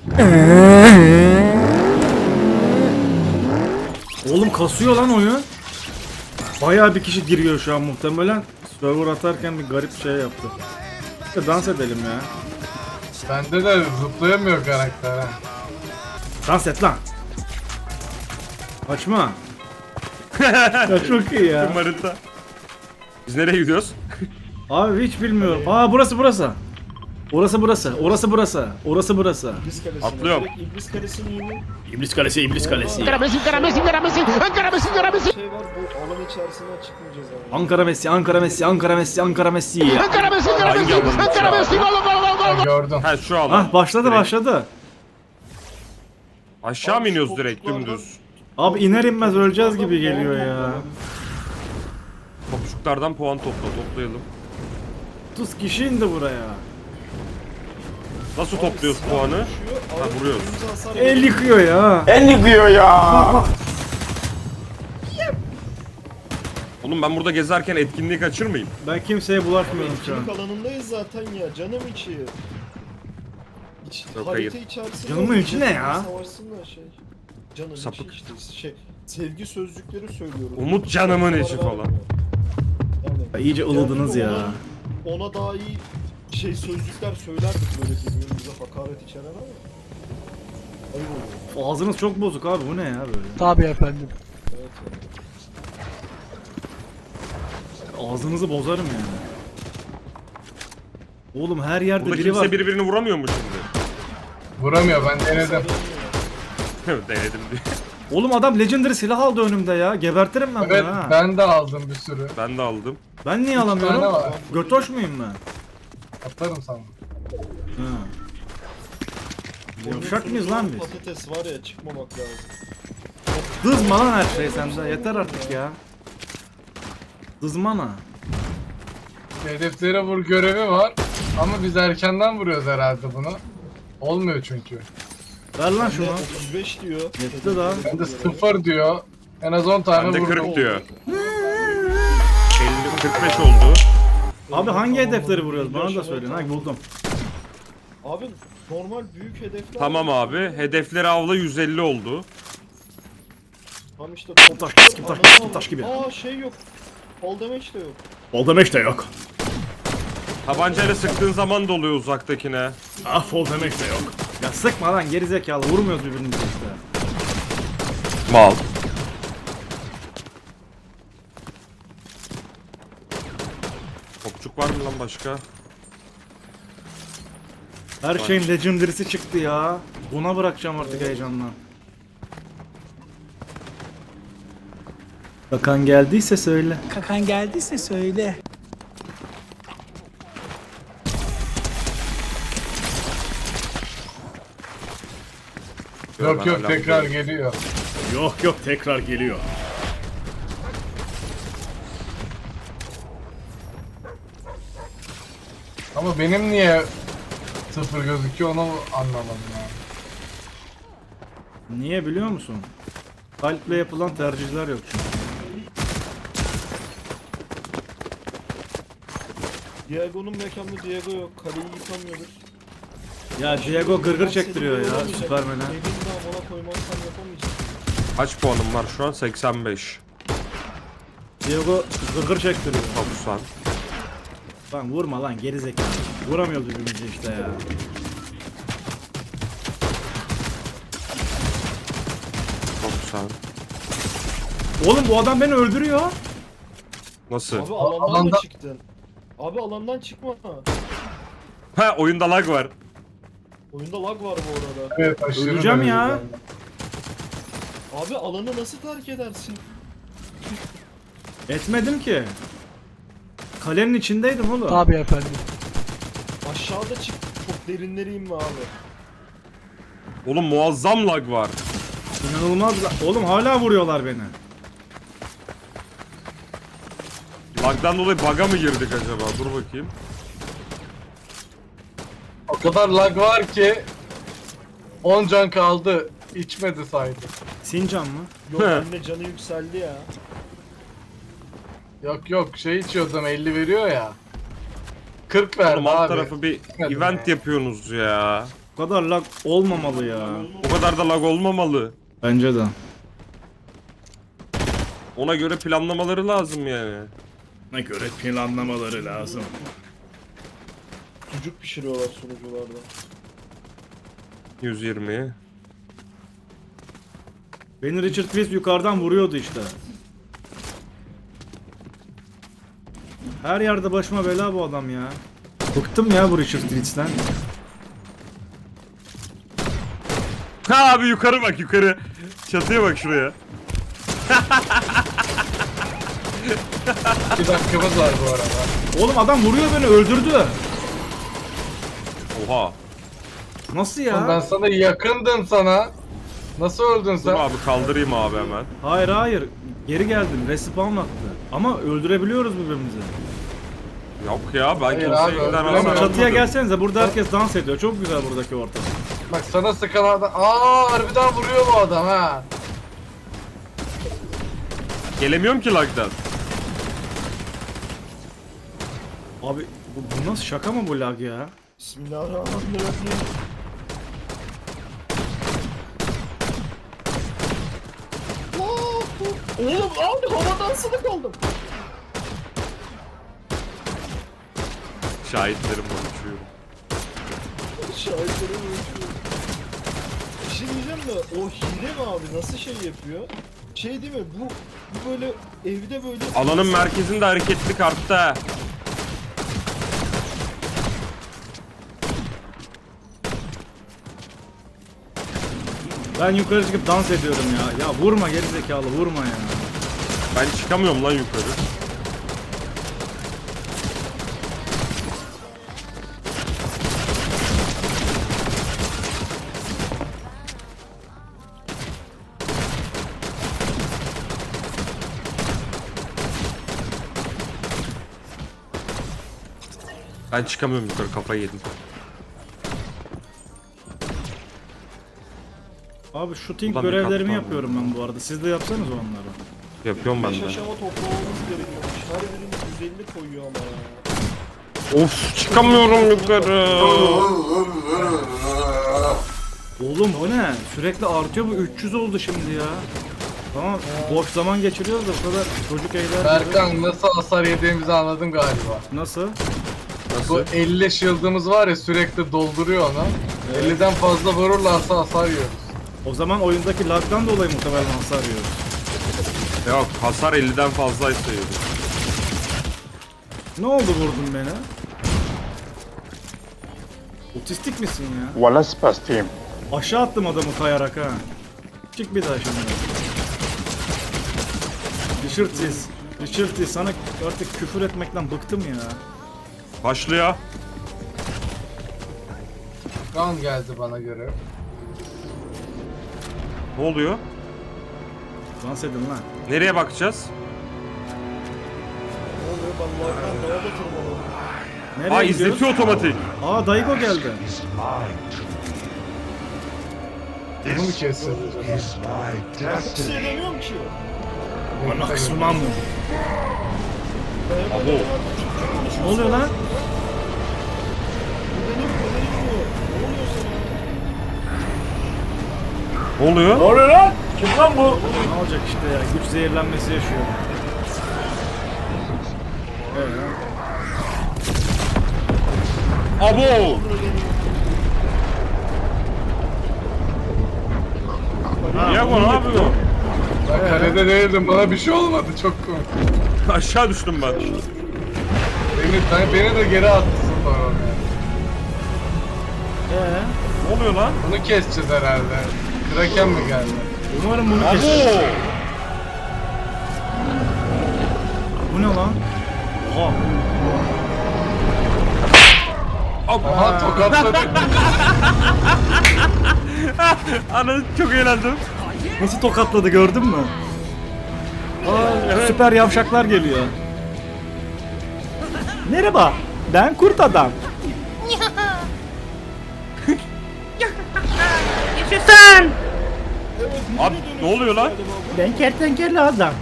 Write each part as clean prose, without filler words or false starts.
Oğlum kasıyor lan oyun. Bayağı bir kişi giriyor şu an muhtemelen. Server atarken bir garip şey yaptı. Dans edelim ya. Bende de zıplayamıyor karakter ha. Dans et lan. Açma. Ya çok iyi ya. Marita. Biz nereye gidiyoruz? Abi hiç bilmiyorum. Aa burası burası. Orası burası. Orası burası. Orası burası. İblis Kalesi'ne. Atlıyorum. Direkt İblis Kalesi'nin yeni İblis Kalesi, İblis Kalesi. şey var, bu alan içerisinden çıkmayacağız abi. Ankara Messi, Ankara Messi, Ankara Messi, Ankara Messi. Hangi alanı? Ha, gördüm. Ha şu alan. Ah başladı Direkt. başladı. Aşağı mı iniyoruz direkt dümdüz? Abi iner inmez öleceğiz gibi geliyor ya. Topçuklardan puan toplayalım. 30 kişi indi buraya. Nasıl topluyoruz puanı? Ha, vuruyoruz. El yıkıyor ya. Oğlum ben burada gezerken etkinliği kaçırmayayım. Ben kimseye bulaşmıyorum şu an. Etkinlik alanındayız zaten ya, canım içi. Yok, Harita hayır. içerisinde Canımın içi ne ya? Savaşsınlar şey. Canım Sapık. içi işte şey. Sevgi sözcükleri söylüyoruz. Umut canımın içi Şarkılar falan. var yani. Ya iyice ılıdınız ya. Ona daha iyi şey sözcükler söylerdik böyle birbirimize hakaret içeren ama. Ayıp oluyor. Ağzınız çok bozuk abi bu ne ya böyle. Tabii efendim. Evet yani. Ağzınızı bozarım yani. Oğlum her yerde Burada biri kimse var. birbirini vuramıyor mu şimdi? Vuramıyor, ben denedim. Denedim diye. Oğlum adam legendary silah aldı önümde ya. Gebertirim ben Evet, bunu ha. ben de aldım bir sürü. Ben de aldım. Ben niye tane alamıyorum? var. Götoş muyum ben? Atarım sana. Ha. Yavşak mıyız lan biz? Patates var ya, çıkmamak lazım. Dızma lan her şey sende. Yeter artık ya. Dızmana. Hedeflere vur görevi var. Ama biz erkenden vuruyoruz herhalde bunu. Olmuyor çünkü. Ver lan Ne, şunu. 35 diyor. Yetti daha. Bende 0 diyor. En az 10 tane Bende vurdum. 40 diyor. 50, 45 oldu. Abi hangi hedefleri vuruyoruz? Bana da söyleyin. Ha buldum. Abi normal büyük hedefler. Tamam abi. Hedefleri avla 150 oldu. Tam işte Taş, taş gibi, taş, taş gibi, taş gibi. Aa şey yok. Fall damage de yok. Fall damage de yok. Tabancayla sıktığın zaman da oluyor uzaktakine. Ah fall damage de yok. Ya sıkma lan gerizekalı. Vurmuyoruz birbirimize işte. Mal. Topçuk var mı lan başka? Her şeyin legendary'si çıktı ya. Buna bırakacağım artık heyecanla. Bakan geldiyse söyle. Kakan geldiyse söyle. Yok yok, Hala tekrar buradayım. geliyor. Yok yok tekrar geliyor. Ama benim niye 0 gözüküyor onu anlamadım ya. Niye biliyor musun? Kalple yapılan tercihler yok çünkü. Diego'nun mekanında Diego yok. Kaleyi yıkamıyoruz. Ya Diego gırgır çektiriyor ya Olamayacak. Süpermen'e. Evin damına koymazsan yapamayacağım. Kaç puanım var şu an? 85. Diego gırgır çektiriyor. 90. Lan vurma lan gerizekalı. Vuramıyoruz birbirimizi işte ya. Oğlum bu adam beni öldürüyor. Nasıl? Abi alandan mı alanda- çıktın? Abi alandan çıkma. Ha oyunda lag var. Oyunda lag var bu arada. Evet, aşırı Öleceğim derecede. ya. Abi alanı nasıl terk edersin? Etmedim ki. Kalenin içindeydim oğlum. Tabii efendim. Aşağıda çık. Çok derinlere inme abi. Oğlum muazzam lag var. İnanılmaz. Oğlum hala vuruyorlar beni. Lagdan dolayı bug'a mı girdik acaba? Dur bakayım. O kadar lag var ki 10 can kaldı. İçmedi saydı. Sincan mı? Yok anne canı yükseldi ya. Yok yok, şey içiyordum 50 veriyor ya. 40 verdi Oğlum alt abi. tarafı bir Gitmedi event ya. yapıyorsunuz ya. Bu kadar lag olmamalı ya. O kadar da lag olmamalı. Bence de. Ona göre planlamaları lazım yani. Ne göre planlamaları lazım. Sucuk pişiriyorlar sunucularda. 120. Beni Richard Chris yukarıdan vuruyordu işte. Her yerde başıma bela bu adam ya. Bıktım ya bu Richard Chris'ten. Ha abi yukarı bak yukarı. Çatıya bak şuraya. 2 dakikamız var bu arada. Oğlum adam vuruyor beni, öldürdü. Oha. Nasıl Oğlum ben ya? sana yakındım sana. Nasıl öldün Dur sen? abi kaldırayım abi hemen. Hayır hayır. Geri geldim. Respawn attı. Ama öldürebiliyoruz birbirimizi. Yok ya ben Hayır kimseyi abi, birden öldüremem. arasam Ama çatıya yapmadım. gelsenize, burada herkes dans ediyor. Çok güzel buradaki ortam. Bak sana sıkan adam. Harbiden vuruyor bu adam ha. Gelemiyorum ki lagdan. Abi bu nasıl, şaka mı bu lag ya? Bismillahirrahmanirrahim. Oğlum abi havadan sana kaldım. Şahitlerim konuşuyorum. Şahitlerim ölçüyor. Bir şey diyeceğim de o hile mi abi, nasıl şey yapıyor? Şey değil mi bu böyle evde böyle Alanın merkezinde hareketlilik arttı ha. Ben yukarı çıkıp dans ediyorum ya. Ya vurma gerizekalı, vurma ya. Ben çıkamıyorum lan yukarı. Ben çıkamıyorum yukarı, kafayı yedim. Abi shooting Ulan bir görevlerimi kat yapıyorum ben bu arada. Siz de yapsanız onları. Yapıyorum ben 5 de. aşama toplamamız gerekiyormuş. Her birinin 150 koyuyor ama ya. Of çıkamıyorum yukarı. Oğlum bu ne? Sürekli artıyor bu, 300 oldu şimdi ya. Tamam boş zaman geçiriyoruz da bu kadar çocuk eğler. Berkan nasıl hasar yediğimizi anladın galiba. Nasıl? Bu 50 shield'ımız var ya, sürekli dolduruyor onu. 50'den fazla vururlarsa hasar yiyoruz. O zaman oyundaki lagdan dolayı muhtemelen hasar yiyoruz. Yok hasar 50'den fazlaysa yiyorum. Ne oldu vurdun beni? Otistik misin ya? Wala spastim. Aşağı attım adamı kayarak ha. Çık bir daha şimdi. Richard sana artık küfür etmekten bıktım ya. Başlıyor. Kan geldi bana göre. Ne oluyor? Dans edin lan. Nereye bakacağız? Ne oluyor, ben lagdan neye batırmadım. Nereye Aa gidiyoruz? izletiyor otomatik. Aa Daigo geldi. Bunu mu kesiyor? Hiç şey demiyorum ki. Ana kısmam mı? Abo. Ne oluyor lan? Ne oluyor sana? Ne oluyor? Ne olacak işte ya, güç zehirlenmesi yaşıyor. Abo. Diego ne yapıyor? Ben kalede değildim, bana bir şey olmadı, çok komik. Aşağı düştüm ben. Beni de geri attı sonra oraya. Ne oluyor lan? Bunu keseceğiz herhalde. Kraken mi geldi? Umarım bunu Abo. keser. Bu ne lan? Oha. Aha tokatladı. Ana çok eğlendim. Nasıl tokatladı, gördün mü? Aa, süper yavşaklar geliyor. Merhaba, ben kurt adam. Yaşasın! Abi ne oluyor lan? Ben kertenkele adam.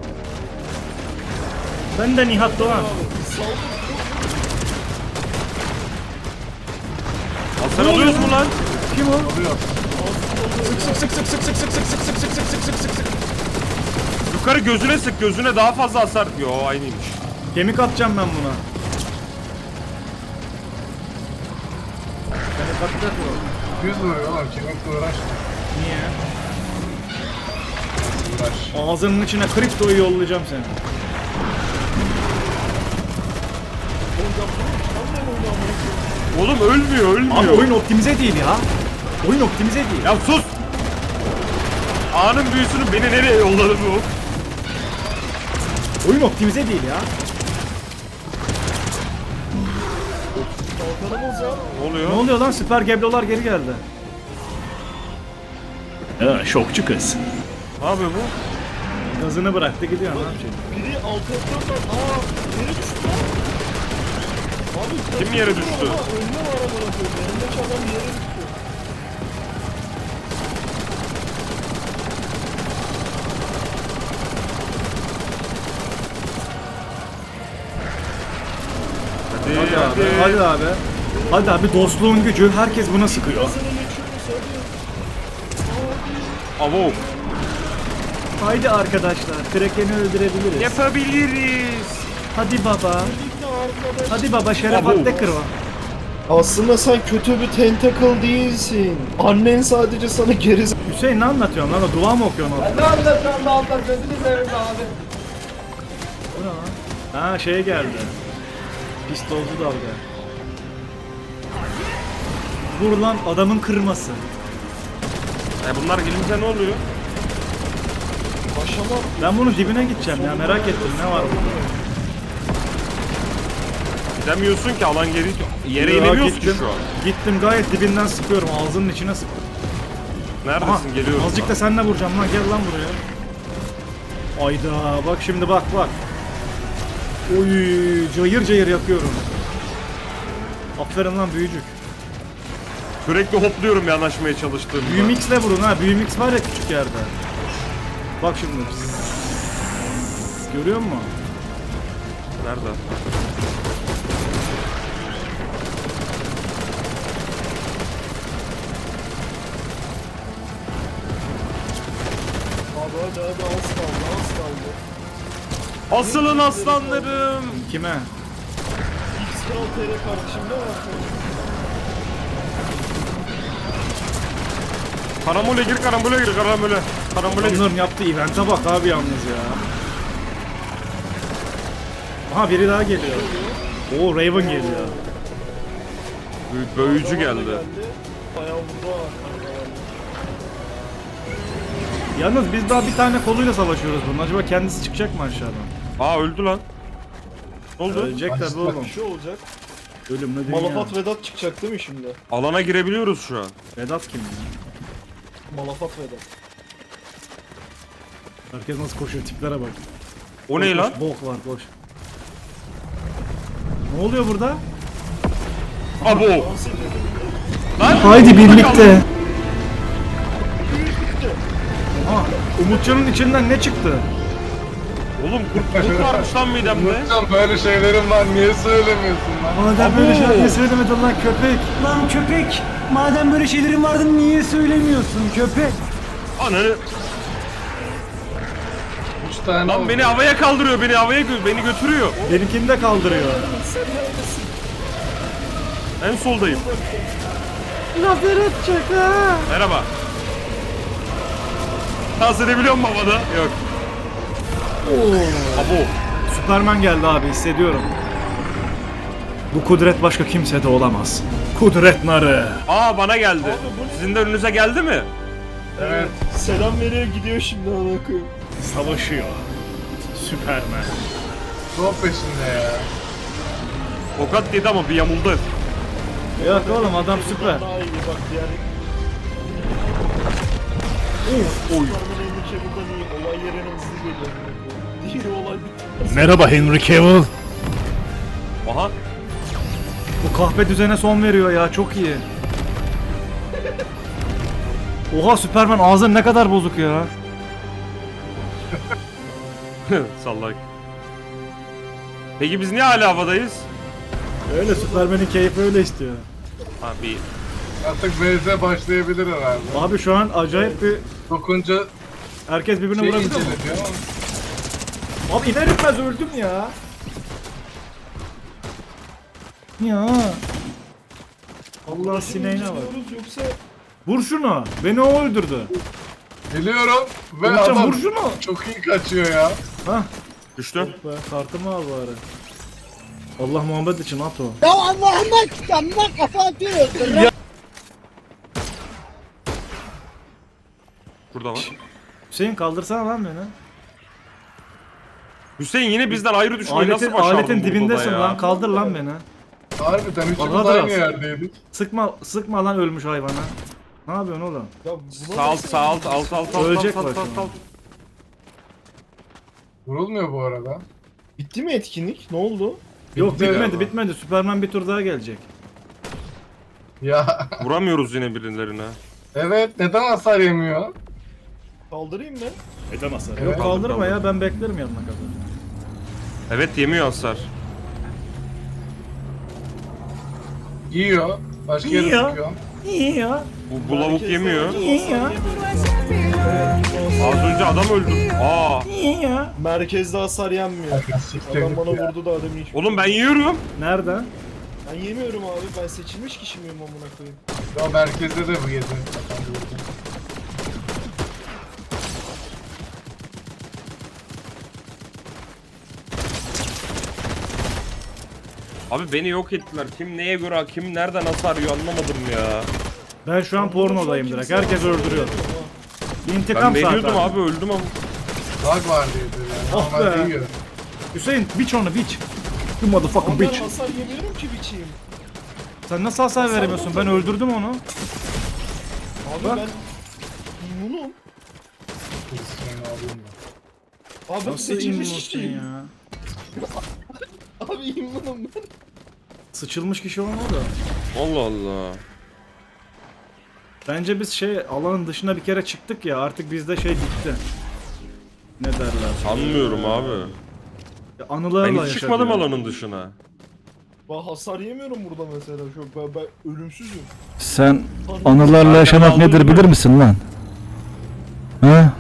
Ben de Nihat Doğan. Hasar alıyoruz mu lan? Kim o? Alıyor. Sık sık sık sık sık sık sık sık sık sık sık sık sık sık sık. Yukarı gözüne sık, gözüne daha fazla hasar. Yo aynıymış. Kemik atacağım ben buna. Kemik atacak mı? 100 vuruyor oğlum. Kemikle uğraş. Niye? Uğraş. Ağzının içine kriptoyu yollayacağım seni. Oğlum ölmüyor, ölmüyor. Abi oyun optimize değil ya. Oyun optimize değil. Ya sus! Anın büyüsünü beni nereye yolladı bu? Oyun optimize değil ya. Kalkanımız ya. Ne oluyor? Ne oluyor lan? Süper geblolar geri geldi. Ha, şokçu kız. Ne yapıyor bu? Gazını bıraktı gidiyor. Ne yapacak? Biri altı atıyorsan yere düştü lan. Abi Kim yere düştü? Önüne var amına koyayım. Yanındaki adam yere düştü. Hadi, Hadi hadi. abi. Hadi abi. Hadi abi dostluğun gücü. Herkes buna sıkıyor. Gazını geçiyoruz hadi. Avo. Haydi arkadaşlar. Kraken'i öldürebiliriz. Yapabiliriz. Hadi baba. Birlikte arkadaş. Hadi baba şeref Abo. hatta kırma. Aslında sen kötü bir tentacle değilsin. Annen sadece sana geri Hüseyin ne anlatıyorsun lan? O dua mı okuyorsun orada? Ne anlatıyorsun da Allah gözünü seveyim abi. Bu ne lan? Ha şey geldi. Pistolcu dalga. Vur lan adamın kırması. Bunlar gelince ne oluyor? başlamak. Ben bunun dibine gideceğim ya merak ettim ne var burada. Gidemiyorsun ki alan geri yere Ya, inemiyoruz ki gittim. şu an. Gittim gayet dibinden sıkıyorum ağzının içine sıktım. Neredesin? Aha, Geliyorum. azıcık da seninle vuracağım lan gel lan buraya. Ayda bak şimdi bak bak. Oy cayır cayır yakıyorum. Aferin lan büyücük. Sürekli hopluyorum yanaşmaya çalıştığımda. Büyümix'le vurun ha. Büyümix var ya küçük yerde. Bak şimdi. Görüyor musun? Nerede? Abi hadi az kaldı az kaldı. Asılın aslanlarım. Kime? X Kral TR kardeşim ne var? Karambole gir, karambole gir, karambole. Karambole gir. Onların yaptığı event'e bak abi yalnız ya. Aha biri daha geliyor. Oo Raven geliyor. Büyücü geldi. Bayağı vurdu ha. Yalnız biz daha bir tane koluyla savaşıyoruz bunun. Acaba kendisi çıkacak mı aşağıdan? Aa öldü lan. Ne oldu? Ölecek tabi oğlum. Bir şey olacak. Ölümle dünya. Malafat Vedat çıkacak değil mi şimdi? Alana girebiliyoruz şu an. Vedat kim ya? Malafat Vedat. Herkes nasıl koşuyor tiplere bak. O ne Koş, lan? koş, Bok var koş. Ne oluyor burada? Abo. Dans ediyor. Lan. Haydi birlikte. Aha, Umutcan'ın içinden ne çıktı? Oğlum kurt varmış lan midemde. Umutcan böyle şeylerim var niye söylemiyorsun lan? Madem böyle şeyler söylemedin lan köpek. Lan köpek! Madem böyle şeylerin vardı niye söylemiyorsun köpek? Ananı. 3 tane Lan oldu. beni havaya kaldırıyor, beni havaya beni götürüyor. Benimkini de kaldırıyor. En soldayım. Lazer edecek ha. Merhaba. Dans edebiliyor musun havada? Yok. Abo. Süperman geldi abi hissediyorum. Bu kudret başka kimsede olamaz. Kudret narı. Aa bana geldi. Sizin de önünüze geldi mi? Evet. Selam veriyor gidiyor şimdi ona koyayım. Savaşıyor. Süperman. Top peşinde ya. Tokat yedi ama bir yamuldu. Yok oğlum adam süper. Daha iyi bak diğer. Oy. Superman Henry Cavill'dan iyi. Olay yerine hızlı geliyor. Diğeri olay bitti. Merhaba Henry Cavill. Aha. Bu kahpe düzene son veriyor ya çok iyi. Oha Süperman ağzın ne kadar bozuk ya. Sallak. Peki biz niye hala havadayız? Öyle Süperman'in keyfi öyle istiyor. Ha bir Artık VZ başlayabilir herhalde. Abi şu an acayip bir... Dokunca Herkes birbirine şey vurabiliyor mu? inceleniyor ama. Abi iner etmez öldüm ya. Ya. Allah sineğine bak. Diyoruz yoksa Vur şunu. Beni o öldürdü. Biliyorum ve Umutcan adam vur şunu. çok iyi kaçıyor ya. Hah. Düştü. Be, kartımı al bari. Allah Muhammed için at o. Ya Allah'ıma kitabıma kafa atıyorsun. Burada var. Hüseyin kaldırsana lan beni. Hüseyin yine bizden ayrı düşmeyi Aletin, nasıl başardın aletin burada dibindesin ya? lan. Kaldır lan beni. Harbiden üçümüz Bana da aynı az. yerdeydik. Sıkma lan ölmüş hayvana. Ne yapıyorsun oğlum? ya buna Sağ alt, nasıl- sağ alt, alt, alt, alt, Ölecek alt, bak alt, alt, şimdi. alt. Vurulmuyor bu arada. Bitti mi etkinlik? Ne oldu? Yok Bitti bitmedi ya. bitmedi. Süperman bir tur daha gelecek. Ya Vuramıyoruz yine birilerine. evet, neden hasar yemiyor? Kaldırayım mı? Edemezler. Evet. Yok kaldırma Kaldır, ya ben beklerim yanına kadar. Evet yemiyor hasar. Yiyor. Başka yere Yiyor. sıkıyor. İyi ya. Bu lavuk Herkes yemiyor. de İyi ya. Az önce adam öldü. Aa. İyi ya. Merkezde hasar yenmiyor. Siktir Adam git bana ya. vurdu da adamı hiç. Oğlum ben yiyorum. Nereden? Ben yemiyorum abi. Ben seçilmiş kişi miyim amına koyayım? Ya merkezde de bu yedi. Abi beni yok ettiler. Kim neye göre, kim nereden hasar yiyor anlamadım ya. Ben şu an pornodayım direkt. Herkes öldürüyor. Ben İntikam veriyordum saati. abi öldüm ama. Bug var diyordu yani. Ah Normalde be. yiyor. Hüseyin biç onu biç. You motherfucking Ama ben bitch. hasar yemiyorum ki biçeyim. Sen nasıl hasar veremiyorsun? Ben öldürdüm onu. Abi Bak. ben immunum. Hristiyan'ı alayım da. Abi ben Nasıl seçilmiş immunsın kişiyim. ya? Abi immunum ben. Sıçılmış kişi olmadı. Allah Allah. Bence biz alanın dışına bir kere çıktık ya artık bizde bitti. Ne derler? Sanmıyorum abi. Anılarla Ben hiç yaşadık çıkmadım ya. alanın dışına. Ben hasar yemiyorum burada mesela. Ben ölümsüzüm. Sen Tanrım. anılarla yaşamak aldın nedir mı? bilir misin lan? Ha?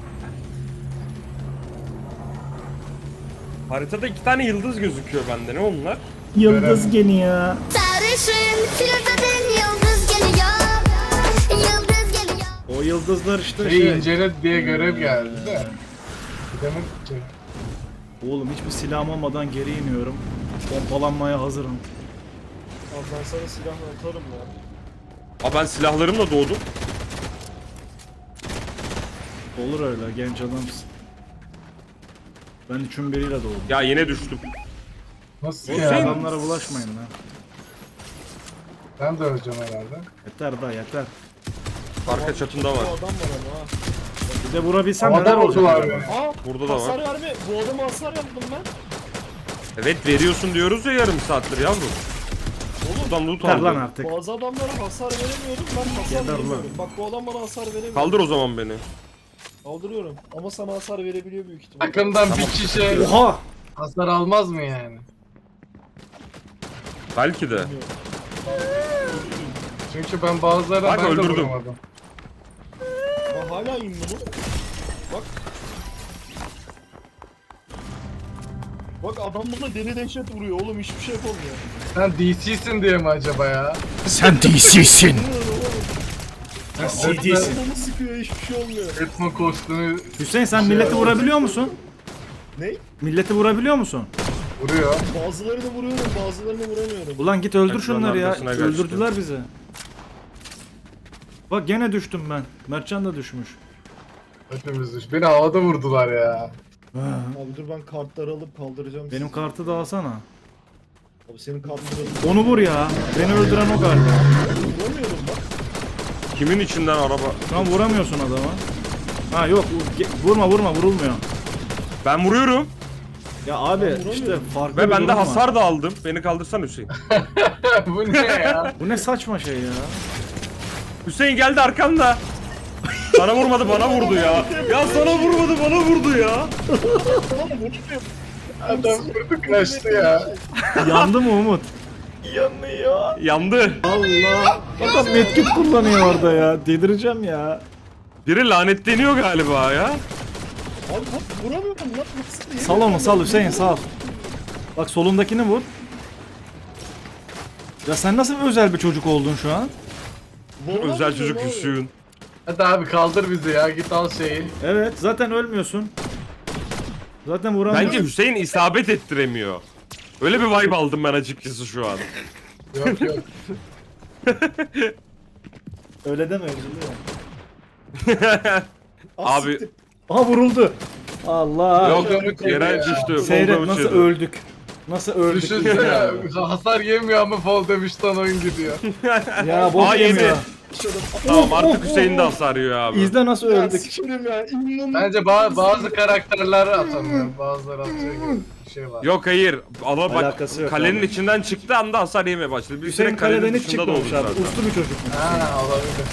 Haritada 2 tane yıldız gözüküyor bende. Ne onlar? Yıldız geliyor. Sarışın filtretin yıldız geliyor. Yıldız geliyor. O yıldızlar işte İncele diye görev geldi de. Demek ki. Oğlum hiçbir silahım olmadan geri iniyorum. Pompalanmaya hazırım. Abi ben sana silah atarım ya. Aa ben silahlarımla doğdum. Olur öyle genç adamsın. Ben üçün biriyle doğdum. Ya yine düştüm. Nasıl Siz ya? adamlara bulaşmayın lan. Ben de öleceğim herhalde. Yeter da yeter. Arka çatında Bu var. adam var ama ha. Bir de vurabilsem neler Adam oldular olacak? mı? Aa, Burada da hasar var. verme. Bu adama hasar yaptım ben. Evet veriyorsun diyoruz ya yarım saattir yavrum. Buradan loot Yeter lan aldım. artık. Bazı adamlara hasar veremiyordum. Ben hasar Yeter lan. veremiyorum. Bak bu adam bana hasar veremiyor. Kaldır o zaman beni. Kaldırıyorum. Ama sana hasar verebiliyor büyük ihtimalle. Takımdan bir kişi Oha! hasar almaz mı yani? Belki de. Çünkü ben bazılarına Bak, ben de öldürdüm. vuramadım. Ben hala immunum. Bak. Bak adam bana deli dehşet vuruyor oğlum hiçbir şey yapamıyor. Sen DC'sin diye mi acaba ya? Sen DC'sin. Bilmiyorum oğlum. CD'sin. Adamı sıkıyor hiçbir şey olmuyor. Etmo kostümü Hüseyin sen milleti vurabiliyor musun? Ne? Milleti vurabiliyor musun? vuruyor. Bazılarını vuruyorum bazılarını vuramıyorum. Ulan git öldür Ekranın şunları ya. arkasına kaçtı. Öldürdüler bizi. Bak gene düştüm ben. Mertcan da düşmüş. Hepimiz düş. Beni havada vurdular ya. Abi dur ben kartları alıp kaldıracağım. Benim sizi. kartı da alsana. Abi senin kartları alıp Onu vur ya. Beni öldüren o galiba. vuramıyorum bak. Kimin içinden araba? Şu an vuramıyorsun adama. Ha yok vurma vurulmuyor. Ben vuruyorum. Ya abi vuramıyorum. işte farklı Ve bir ben de durum var. hasar da aldım. Beni kaldırsan Hüseyin. Bu ne ya? Bu ne saçma şey ya. Hüseyin geldi arkamda. Sana vurmadı bana vurdu ya. Ya sana vurmadı bana vurdu ya. Adam vurdu kaçtı ya. Yandı mı Umut? Yanıyor. Yandı. Allah. Adam medkit kullanıyor orada ya. Delireceğim ya. Biri lanetleniyor galiba ya. Abi bak vuramıyorum lan. Nasıl diye. Sal onu sal Hüseyin sal. Bak solundakini vur. Ya sen nasıl bir özel bir çocuk oldun şu an? Vuramıyorum Özel çocuk abi. Hüsnü. Hadi abi kaldır bizi ya git al şeyi. Evet zaten ölmüyorsun. Zaten vuramıyorsun. Bence Hüseyin isabet ettiremiyor. Öyle bir vibe aldım ben açıkçası şu an. Yok yok. Öyle deme üzülüyor. Ah, Abi siktir. Aha vuruldu. Allah. yok Volkan'ı yere ya. düştü. Seyret Volkan'ı nasıl çedi. öldük. Nasıl öldük. Düşünsene hasar yemiyor ama fall demişten oyun gidiyor. Ya bok Aa, yedi. yemiyor. Tamam artık Hüseyin de hasar yiyor abi. İzle nasıl Ya öldük. sikerim ya. İnanılmaz. Bence bazı karakterler atamıyor. Bazıları atıyor gibi bir şey var. Yok hayır. Ama bak Alakası yok kalenin abi. içinden çıktı anda hasar yemeye başladı. Bir Hüseyin süre kalenin kaleden hiç dışında da oldu çıkmamış abi. zaten. Uslu bir çocuk. Ha olabilir.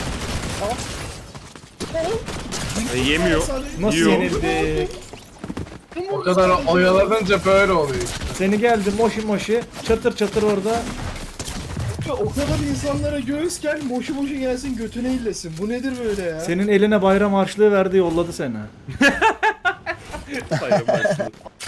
Yemiyor. Nasıl Yiyor. yenildik? O kadar oyalanınca böyle oluyor. Seni geldi moşi moşi. Çatır çatır orada. O kadar insanlara göğüsken boşu boşu gelsin götüne illesin. Bu nedir böyle ya? Senin eline bayram harçlığı verdi yolladı seni. Sayın başkanım.